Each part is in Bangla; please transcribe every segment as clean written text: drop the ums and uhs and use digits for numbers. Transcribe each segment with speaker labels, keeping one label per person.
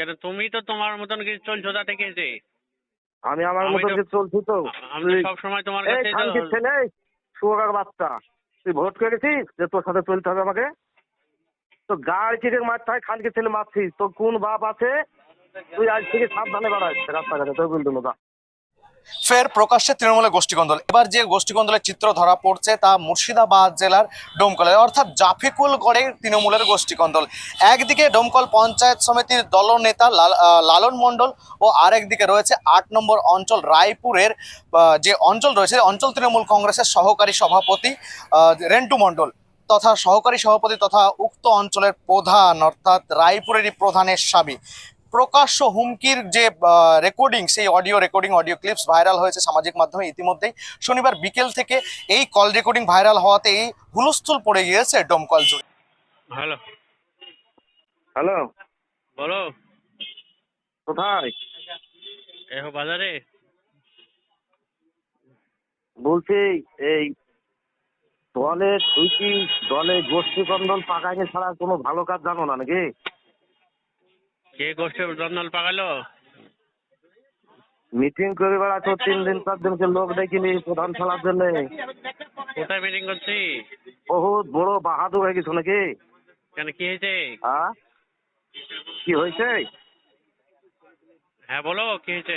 Speaker 1: কেন তুমি তো তোমার মতন কি চলছো তা ঠিক আছে।
Speaker 2: আমি আমার
Speaker 1: আমি
Speaker 2: মতন
Speaker 1: তো
Speaker 2: কি চলছি তো।
Speaker 1: আমি তো সবসময় তোমার
Speaker 2: এই
Speaker 1: কাছে তো
Speaker 2: খানকির ছেলে, শুয়োরের বাচ্চা, তুই ভোট করেছিস যে তোর সাথে চলতে হবে আমাকে? তো গাড়ি চিড়ে মারতে হয়, খানকির ছেলে মারছিস, তোর কোন বাপ আছে? তুই আজ থেকে সাবধানে বাড়াস রাস্তাঘাটে, তোর বলতো না।
Speaker 3: ফের প্রকাশ্যে তৃণমূলের গোষ্ঠীকন্দল। এবার যে গোষ্ঠীকন্দলের চিত্র ধরা পড়ছে তা মুর্শিদাবাদ জেলার ডোমকলে, অর্থাৎ জাফিকুলগড়ের তৃণমূলের গোষ্ঠীকন্দল। একদিকে ডোমকল পঞ্চায়েত সমিতির দলনেতা লালন মণ্ডল ও আরেকদিকে রয়েছে ৮ নম্বর অঞ্চল রায়পুরের যে অঞ্চল রয়েছে, অঞ্চল তৃণমূল কংগ্রেসের সহকারী সভাপতি রেন্টু মণ্ডল তথা সহকারী সভাপতি তথা উক্ত অঞ্চলের প্রধান অর্থাৎ রায়পুরেরই প্রধানের স্বামী। প্রকাশ্য হুমকির যে রেকর্ডিং, সেই অডিও ক্লিপস ভাইরাল হয়েছে সামাজিক মাধ্যমে ইতিমধ্যেই। শনিবার বিকেল থেকে এই কল রেকর্ডিং ভাইরাল হওয়াতে এই হুলস্থুল পড়ে গিয়েছে ডোমকল জুড়ে।
Speaker 1: হ্যালো
Speaker 2: হ্যালো,
Speaker 1: বলো।
Speaker 2: কোথায়?
Speaker 1: বাজারে
Speaker 2: বলছি, এই দলে তুই কি দলে গোষ্ঠীকন্দল পাকাইনি ছাড়া কোনো ভালো কাজ জানো না নাকি?
Speaker 1: কে গোষ্ঠী জন্নল পাকালো?
Speaker 2: মিটিং করে বেড়াচ্ছ 3 দিন 4 দিনকে লোক দেখিনি প্রধান খেলার জন্য।
Speaker 1: কোথায় মিটিং করছি?
Speaker 2: বহুত বড় বাহাদুর হয়ে গেছো নাকি?
Speaker 1: কেন কি হয়েছে?
Speaker 2: কি হয়েছে?
Speaker 1: হ্যাঁ বলো, কি হয়েছে?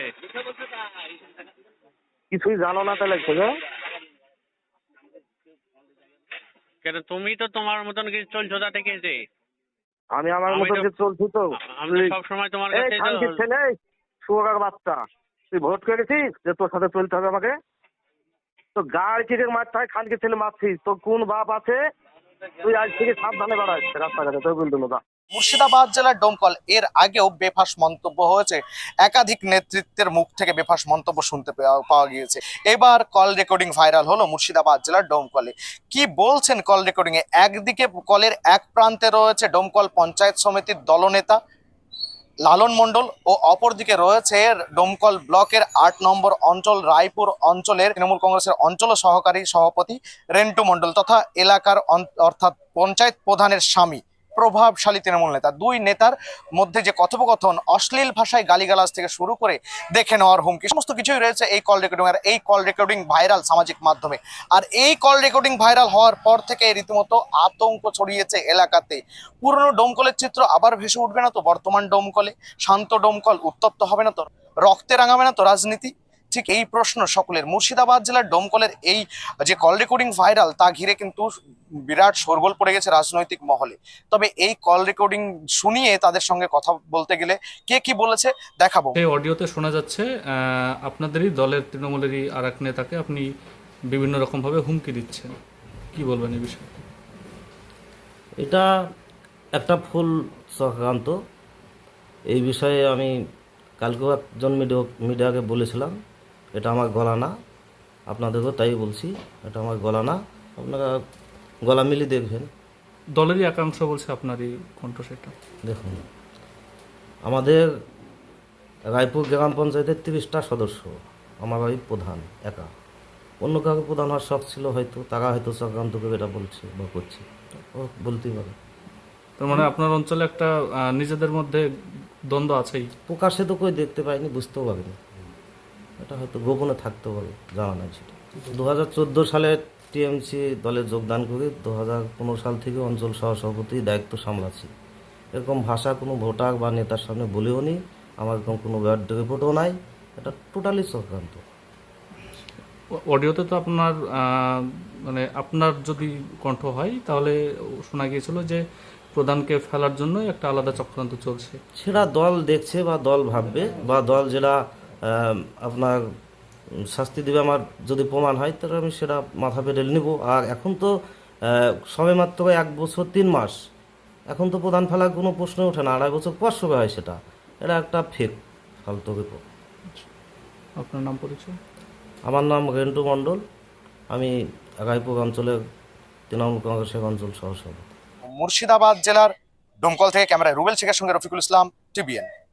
Speaker 2: কিছুই জানো না তাহলে ছেলে?
Speaker 1: কেন তুমি তো তোমার মতন কি চলছো তা ঠিক আছে।
Speaker 2: আমি আমার
Speaker 1: আমি
Speaker 2: মতন
Speaker 1: তো-
Speaker 2: কি চলছি তো।
Speaker 1: আমি তো সবসময় তোমার
Speaker 2: এই
Speaker 1: কাছে তো
Speaker 2: খানকির ছেলে, শুয়োরের বাচ্চা, তুই ভোট করেছিস যে তোর সাথে চলতে হবে আমাকে? তো গাড়ি চিড়ে মারতে হয়, খানকির ছেলে মারছিস, তোর কোন বাপ আছে? তুই আজ থেকে সাবধানে বাড়াস রাস্তাঘাটে, তোর বলতো না।
Speaker 3: মুর্শিদাবাদ জেলার ডোমকল এর আগেও বেফাস মন্তব্য হয়েছে, একাধিক নেতৃত্বের মুখ থেকে বেফাস মন্তব্য শুনতে পাওয়া গিয়েছে। এবার কল রেকর্ডিং ভাইরাল হলো মুর্শিদাবাদ জেলার ডোমকলে। কি বলছেন কল রেকর্ডিং এ? একদিকে কলের এক প্রান্তে রয়েছে ডোমকল পঞ্চায়েত সমিতির দলনেতা লালন মণ্ডল ও অপরদিকে রয়েছে ডোমকল ব্লকের ৮ নম্বর অঞ্চল রায়পুর অঞ্চলের তৃণমূল কংগ্রেসের অঞ্চল সহকারী সভাপতি রেন্টু মণ্ডল তথা এলাকার অর্থাৎ পঞ্চায়েত প্রধানের স্বামী, প্রভাবশালী তৃণমূল নেতা। দুই নেতার মধ্যে যে কথোপকথন, অশ্লীল ভাষায় গালিগালাজ থেকে শুরু করে দেখে নেওয়ার হুমকি, সমস্ত কিছুই রয়েছে এই কল রেকর্ডিং। আর এই কল রেকর্ডিং ভাইরাল সামাজিক মাধ্যমে। আর এই কল রেকর্ডিং ভাইরাল হওয়ার পর থেকে রীতিমতো আতঙ্ক ছড়িয়েছে এলাকাতে। পুরনো ডোমকলের চিত্র আবার ভেসে উঠবে না তো বর্তমান ডোমকলে? শান্ত ডোমকল উত্তপ্ত হবে না তো? রক্তে রাঙাবে না তো রাজনীতি? ঠিক এই প্রশ্ন সকলের। মুর্শিদাবাদ জেলার ডোমকলের এই যে কল রেকর্ডিং ভাইরাল তা ঘিরে কিন্তু বিরাট শোরগোল পড়ে গেছে রাজনৈতিক মহলে। তবে এই কল রেকর্ডিং শুনিয়ে তাদের সঙ্গে কথা বলতে গেলে কে কি বলেছে দেখাবো।
Speaker 4: এই অডিওতে শোনা যাচ্ছে আপনাদেরই দলের তৃণমূলেরই আর এক নেতাকে আপনি বিভিন্ন রকমভাবে হুমকি দিচ্ছেন, কি বলবেন এই বিষয়ে?
Speaker 5: এটা একটা ফুল চক্রান্ত। এই বিষয়ে আমি কালকেও একজন মিডিয়াকে বলেছিলাম, এটা আমার গলা না, আপনাদেরকেও তাই বলছি, এটা আমার গলা না, আপনারা গলা মিলিয়ে দেখবেন।
Speaker 4: দলেরই একাংশ বলছে আপনারই কণ্ঠ সেটা।
Speaker 5: দেখুন, আমাদের রায়পুর গ্রাম পঞ্চায়েতের 30টা সদস্য, আমার ওই প্রধান একা। অন্য কাউকে প্রধান হওয়ার শখ ছিল, হয়তো তারা হয়তো চক্রান্ত করে এটা বলছে বা করছে, ও বলতেই পারে।
Speaker 4: তার মানে আপনার অঞ্চলে একটা নিজেদের মধ্যে দ্বন্দ্ব আছেই।
Speaker 5: প্রকাশ্যে তো কই দেখতে পাইনি, বুঝতেও পারিনি, এটা হয়তো গোপনে থাকতে পারে, জানা নাই সেটা। 2014 সালে টিএমসি দলে যোগদান করে 2015 সাল থেকে অঞ্চল সহসভাপতির দায়িত্ব সামলাচ্ছি। এরকম ভাষা কোনো ভোটার বা নেতার সামনে বলেও নি, আমার এরকম কোনো ব্যাড রিপোর্টও নাই, এটা টোটালি চক্রান্ত।
Speaker 4: অডিওতে তো আপনার মানে আপনার যদি কণ্ঠ হয় তাহলে শোনা গিয়েছিল যে প্রধানকে ফেলার জন্য একটা আলাদা চক্রান্ত চলছে।
Speaker 5: সেটা দল দেখছে বা দল ভাববে, বা দল যেটা আপনার শাস্তি দেবে, আমার যদি প্রমাণ হয় তাহলে আমি সেটা মাথা পেতে নেব। আর এখন তো সবে মাত্র 1 বছর 3 মাস, এখন তো প্রধান ফেলার কোনো প্রশ্ন ওঠে না। 2.5 বছর পর সবে হয় সেটা, এটা একটা ফেক ফালতু রিপোর্ট।
Speaker 4: আপনার নাম পরিচয়?
Speaker 5: আমার নাম রেন্টু মণ্ডল, আমি রায়পুর অঞ্চলের তৃণমূল কংগ্রেসের অঞ্চল সহসভাপতি।
Speaker 3: মুর্শিদাবাদ জেলার ডোমকল থেকে ক্যামেরায় রুবেল শেখের সঙ্গে রফিকুল ইসলাম, টিবিএন।